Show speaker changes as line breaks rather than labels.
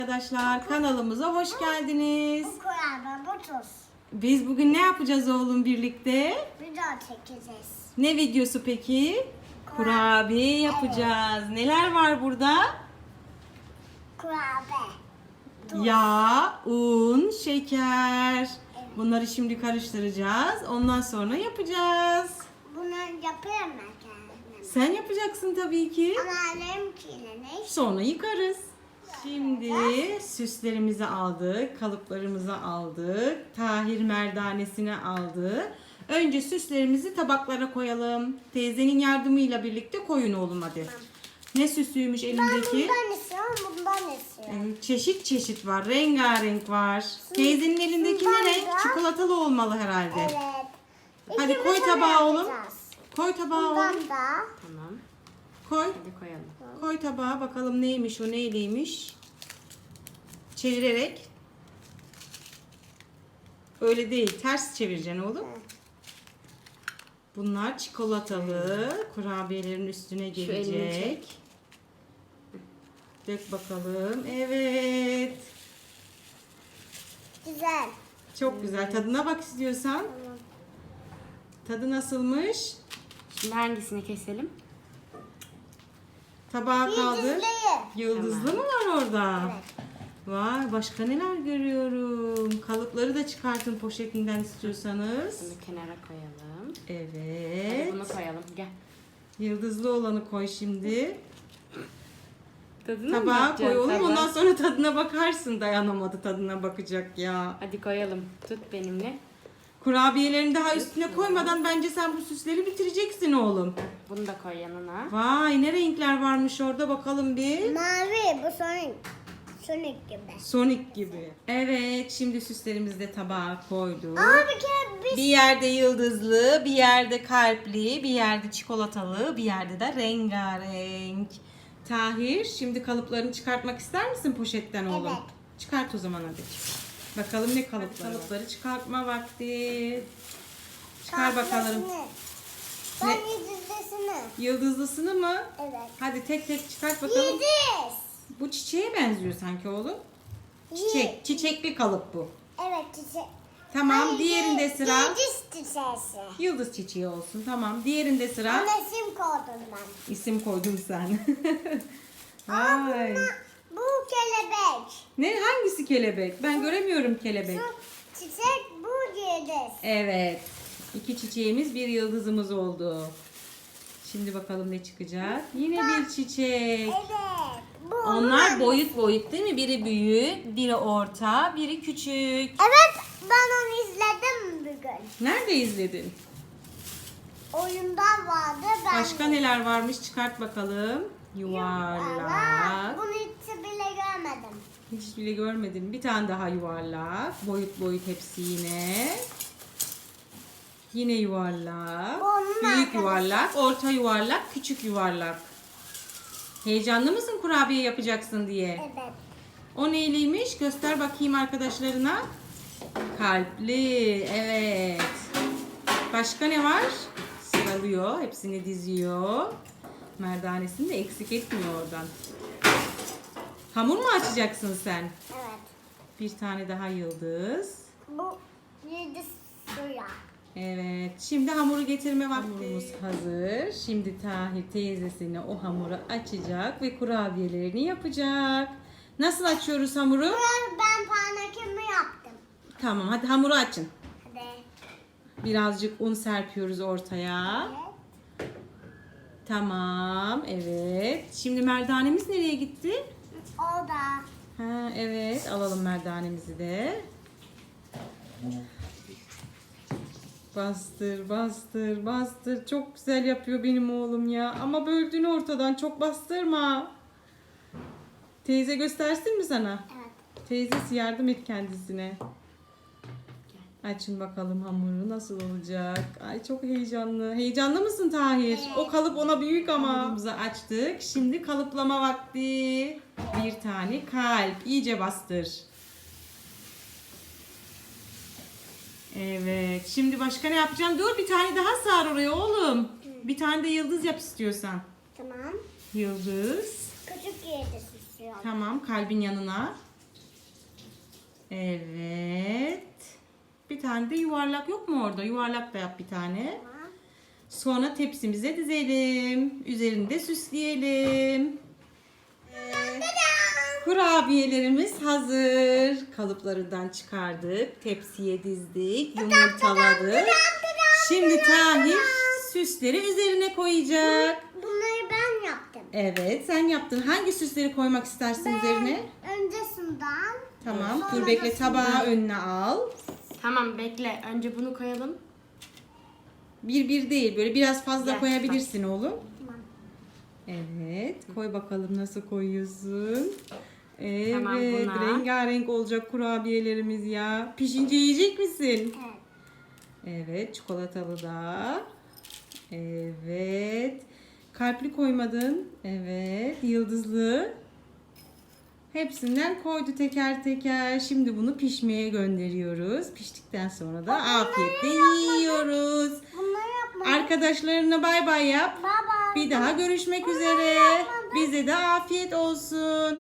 Arkadaşlar kanalımıza hoş geldiniz.
Bu kurabiye bu tuz.
Biz bugün ne yapacağız oğlum birlikte?
Video çekeceğiz.
Ne videosu peki? Kurabiye yapacağız. Neler var burada?
Kurabiye.
Yağ, un, şeker. Bunları şimdi karıştıracağız. Ondan sonra yapacağız.
Bunu yapayım ben kendim.
Sen yapacaksın tabii ki.
Ama annemkiyle ne?
Sonra yıkarız. Şimdi süslerimizi aldık, kalıplarımızı aldık, Tahir merdanesini aldı. Önce süslerimizi tabaklara koyalım. Teyzenin yardımıyla birlikte koyun oğlum hadi.
Tamam.
Ne süsüymüş
Ben
elindeki?
bundan istiyorum, bundan istiyorum.
Çeşit çeşit var, rengarenk var. Teyzenin elindeki ne renk? Çikolatalı olmalı herhalde.
Evet.
Hadi
İkimiz
koy
öyle
tabağa oğlum.
yapacağız.
Koy tabağa
Bundan
oğlum.
da.
Tamam.
Koy.
Hadi koyalım.
Koy tabağa bakalım neymiş o neyliymiş. Çevirerek. Öyle değil ters çevireceksin oğlum. Bunlar çikolatalı kurabiyelerin üstüne
elini
gelecek.
çek.
Dök bakalım. Evet.
Güzel.
Çok güzel. Tadına bak istiyorsan.
Tamam.
Tadı nasılmış?
Şimdi hangisini keselim?
Tabağa kaldır.
Yıldızlıyı.
Yıldızlı mı var orada?
Evet.
Vay başka neler görüyorum. Kalıpları da çıkartın poşetinden istiyorsanız.
Bunu kenara koyalım. Hadi
Evet.
bunu koyalım. Gel.
Yıldızlı olanı koy şimdi.
Tadını mı
Tabağa
bakacaksın?
koy oğlum.
Tabağa?
Ondan sonra tadına bakarsın. Dayanamadı tadına bakacak ya.
Hadi koyalım. Tut benimle.
Kurabiyelerini daha üstüne koymadan bence sen bu süsleri bitireceksin oğlum.
Bunu da koy yanına.
Vay ne renkler varmış orada bakalım bir.
Mavi, bu Sonic. Sonic gibi.
Sonic gibi. Evet şimdi süslerimizi de tabağa koyduk.
Ama bir kere biz
Bir yerde yıldızlı, bir yerde kalpli, bir yerde çikolatalı, bir yerde de rengarenk. Tahir, şimdi kalıplarını çıkartmak ister misin poşetten oğlum?
Evet.
Çıkart o zaman hadi. Bakalım ne kalıpları? Kalıpları çıkartma vakti. Çıkar bakalım.
Ben
Ne?
yıldızlısını.
Yıldızlısını mı?
Evet.
Hadi tek tek çıkart bakalım.
Yıldız.
Bu çiçeğe benziyor sanki oğlum. Çiçek, çiçekli kalıp bu.
Evet çiçek.
Tamam,
Hayır,
diğerinde sıra.
Yıldız çiçeği.
Yıldız çiçeği olsun. Tamam, diğerinde sıra.
Ona isim koydum ben.
İsim koydum sen.
Aa,
Vay.
bu kelebek.
Ne hangisi kelebek? Ben göremiyorum kelebek.
Şu çiçek bu yıldız.
Evet. 2 çiçeğimiz, bir yıldızımız oldu. Şimdi bakalım ne çıkacak? Yine bir çiçek.
Evet. Bu
Onlar boyut boyut değil mi? Biri büyük, biri orta, biri küçük.
Evet ben onu izledim bugün.
Nerede izledin?
Oyundan vardı ben.
Başka neler varmış? Çıkart bakalım. Yuvarlak.
Bunu hiç bile görmedim.
Hiç bile görmedim. Bir tane daha yuvarlak. Boyut boyut hepsi yine. Yine yuvarlak.
Onun
Büyük
arkadaşı.
yuvarlak, orta yuvarlak, küçük yuvarlak. Heyecanlı mısın kurabiye yapacaksın diye?
Evet.
O neyliymiş? Göster bakayım arkadaşlarına. Kalpli. Evet. Başka ne var? Sıralıyor. Hepsini diziyor. Merdanesini de eksik etmiyor oradan. Hamur mu açacaksın sen?
Evet.
Bir tane daha yıldız.
Bu yıldız suya.
Evet. Şimdi hamuru getirme vakti. Hamurumuz hazır. Şimdi Tahir teyzesine o hamuru açacak ve kurabiyelerini yapacak. Nasıl açıyoruz hamuru?
Ben panakimi yaptım.
Tamam hadi hamuru açın.
Hadi.
Birazcık un serpiyoruz ortaya.
Evet.
Tamam. Evet. Şimdi merdanemiz nereye gitti?
O da.
Ha, evet. Alalım merdanemizi de. Bastır, bastır, bastır. Çok güzel yapıyor benim oğlum ya. Ama böldün ortadan. Çok bastırma. Teyze göstersin mi sana?
Evet.
Teyzesi yardım et kendisine. Açın bakalım hamuru nasıl olacak. Ay çok heyecanlı. Heyecanlı mısın Tahir?
Evet.
O kalıp ona büyük ama. Hamurumuzu açtık. Şimdi kalıplama vakti. Bir tane kalp. İyice bastır. Evet. Şimdi başka ne yapacağım? Dur bir tane daha sar oraya oğlum. Bir tane de yıldız yap istiyorsan.
Tamam.
Yıldız.
Küçük yıldız istiyorum.
Tamam kalbin yanına. Evet. Bir tane de yuvarlak yok mu orada? Yuvarlak da yap bir tane. Sonra tepsimize dizelim. Üzerini de süsleyelim. Kurabiyelerimiz hazır. Kalıplarından çıkardık. Tepsiye dizdik. Yumurtaladık. Şimdi Tahir süsleri üzerine koyacak.
Bunları ben yaptım.
Evet, sen yaptın. Hangi süsleri koymak istersin üzerine?
Öncesinden.
Tamam.
Sonra
Dur bekle,
da
tabağı önüne al.
Tamam bekle. Önce bunu koyalım.
Bir değil, böyle biraz fazla
Gel,
koyabilirsin oğlum.
Tamam.
Evet, koy bakalım nasıl koyuyorsun. Evet,
Tamam, buna.
rengarenk olacak kurabiyelerimiz ya. Pişince yiyecek misin?
Evet.
Evet, çikolatalı da. Evet. Kalpli koymadın. Evet, yıldızlı. Hepsinden koydu teker teker. Şimdi bunu pişmeye gönderiyoruz. Piştikten sonra da afiyetle yiyoruz.
Bunları yapmadım.
Arkadaşlarına bay bay yap.
Baba.
Bir daha görüşmek üzere. Bize de afiyet olsun.